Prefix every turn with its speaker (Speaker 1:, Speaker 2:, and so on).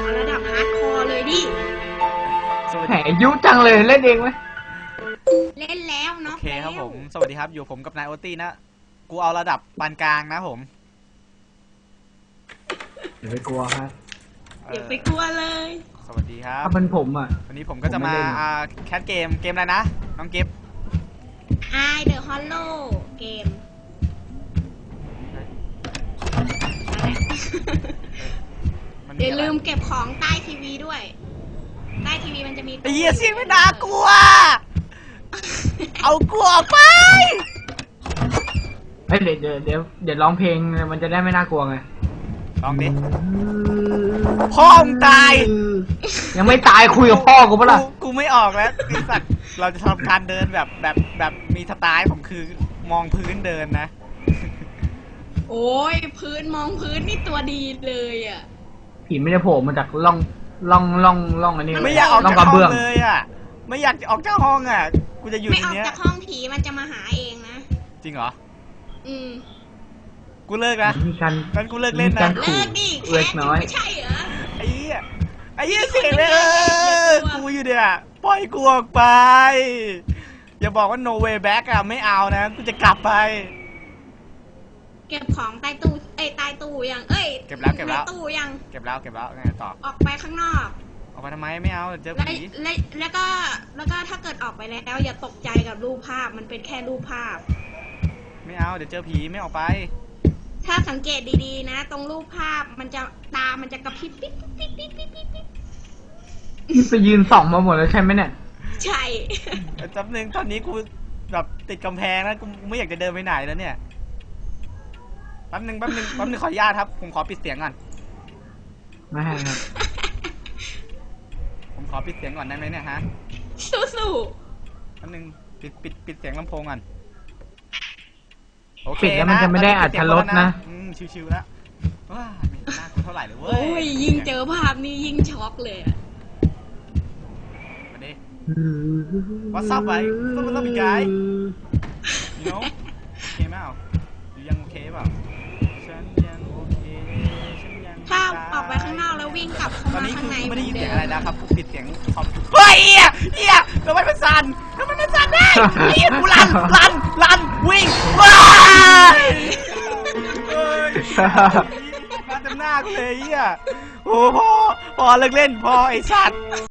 Speaker 1: เอาระดับฮาร์ดคอร์เลยดิ
Speaker 2: แหมยุจังเลยเล่นเองไหม
Speaker 1: เล่นแล้วเนาะ
Speaker 3: โอเคครับผมสวัสดีครับอยู่ผมกับนายโอตี้นะกูเอาระดับปานกลางนะผม
Speaker 2: อย่าไปกลัวครับ
Speaker 1: อย่าไปกลัวเลย
Speaker 3: สวัสดีครับ
Speaker 2: ถ้าเป็นผมอ่ะ
Speaker 3: วันนี้ผมก็จะมาแคสเกมอะไรนะน้องกิฟต์
Speaker 1: I The Hollow เกมอย่าลืมเก็บของใต้ทีวีด้วยใต้ทีวีมันจะมี
Speaker 3: ไอ้เหี้ยเสียงไม่น่ากลัวเอากลัวไป
Speaker 2: เฮ้ยเดี๋ยวร้องเพลงมันจะได้ไม่น่ากลัวไง
Speaker 3: ลองดิพ่อมึงตาย
Speaker 2: ยังไม่ตายคุยกับพ่อกูปะล่ะ
Speaker 3: กูไม่ออกแล้วไอ้สัตว์เราจะทำการเดินแบบมีสไตล์ผมคือมองพื้นเดินนะ
Speaker 1: โอ้ยพื้นมองพื้นนี่ตัวดีเลยอ่ะ
Speaker 2: ผีไม่ได้โผล่มาจากล่องอันนี้
Speaker 3: ไม่อยากออกจากห้องเลยอ่ะไม่อยากออกจากห้องอ่ะกูจะอยู่ในนี้
Speaker 1: ไม่ออกจากห้องผีมันจะมาหาเองนะ
Speaker 3: จริงเหรอกูเลิกนะงั้นกูเลิกเล่นนะ
Speaker 1: เลิกดิแค่ไม่ใช่เหรอ
Speaker 3: ไอ้เหี้ยเสียงเลยกูอยู่เนี่ยปล่อยกูออกไปอย่าบอกว่า no way back อ่ะไม่เอานะกูจะกลับไป
Speaker 1: เก็บของใต้ตู้ใต้ตู้ยัง
Speaker 3: เก็บแล้ว
Speaker 1: ตู้ยัง
Speaker 3: เก็บแล้วไงต่อ
Speaker 1: ออกไปข้างนอก
Speaker 3: ออกไปทำไมไม่เอาเจอผี
Speaker 1: แล้วก็ถ้าเกิดออกไปแล้วอย่าตกใจกับรูปภาพมันเป็นแค่รูปภาพ
Speaker 3: ไม่เอาเดี๋ยวเจอผีไม่ออกไป
Speaker 1: ถ้าสังเกตดีๆนะตรงรูปภาพมันจะตามันจะกระพริบปิ๊บ
Speaker 2: ไปยืนส่องมาหมดแล้วใช่ไหมเนี่ย
Speaker 1: ใช่
Speaker 3: จำหนึ่งตอนนี้กูแบบติดกำแพงแล้วกูไม่อยากจะเดินไปไหนแล้วเนี่ยแป๊บนึงขออนุญาตครับผมขอปิดเสียงก่อน
Speaker 2: ไม่ครับ
Speaker 3: ผมขอปิดเสียงก่อนได้ไหมเนี่ยฮะ
Speaker 1: สู้
Speaker 3: แป๊บนึงปิดเสียงลำโพงก่อน
Speaker 2: โอเคแล้วมันจะไม่ได้อัดรถนะ
Speaker 3: ชิวๆแล้วว้าไม่น่ากลัวเท่าไหร่เลยเว้ย
Speaker 1: โอ้ยยิ่งเจอภาพนี้ยิ่งช็อกเลย
Speaker 3: มาดิ What's up ไป What's up guy you know โอเคไหมยังโอเคเปล่าฉันยังโอเค
Speaker 1: ถ้าออกไปข้างนอกแล้ววิ่งกลับเข้ามาข้างใน
Speaker 3: ไม่ได้ยินเสียงอะไรนะครับปิดเสียงคอมเฮ้ยเหี้ยทำไมมันสั่นได้เหี้ยกูลั่นวิ่งว้ายมาเต็มหน้ากูเลยเหี้ยโอ้พอเลิกเล่นพอไอ้สัตว์